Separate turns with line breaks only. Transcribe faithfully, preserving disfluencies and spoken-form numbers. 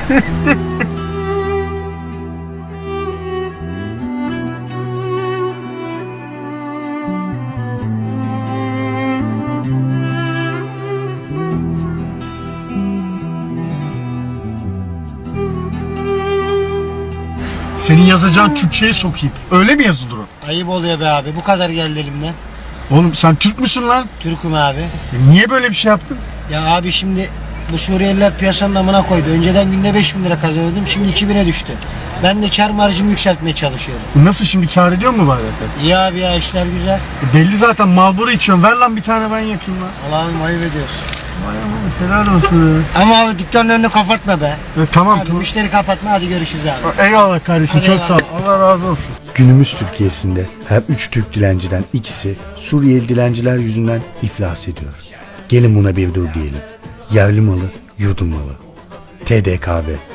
Senin yazacağın Türkçe'ye sokayım. Öyle mi yazılır o?
Ayıp oluyor be abi. Bu kadar geldi elimden.
Oğlum sen Türk müsün lan?
Türk'üm abi.
E niye böyle bir şey yaptın?
Ya abi şimdi bu Suriyeliler piyasanın amına koydu. Önceden günde beş bin lira kazanıyordum. Şimdi iki bine düştü. Ben de kar marjımı yükseltmeye çalışıyorum.
Nasıl şimdi, kâr ediyor mu bari?
İyi abi ya, işler güzel.
E belli zaten, Marlboro içiyorsun. Ver lan bir tane, ben yakayım lan.
Allah'ım ayıp ediyorsun.
Vay aman, helal olsun ya.
Ama abi dükkanın önünü kapatma be.
E, tamam
Hadi
tamam.
müşteri kapatma, hadi görüşürüz abi.
Eyvallah kardeşim,
Hadi
çok
eyvallah.
sağ ol. Allah razı olsun.
Günümüz Türkiye'sinde her üç Türk dilenciden ikisi Suriyeli dilenciler yüzünden iflas ediyor. Gelin buna bir dur diyelim. Yerli malı, yurdum malı. T D K V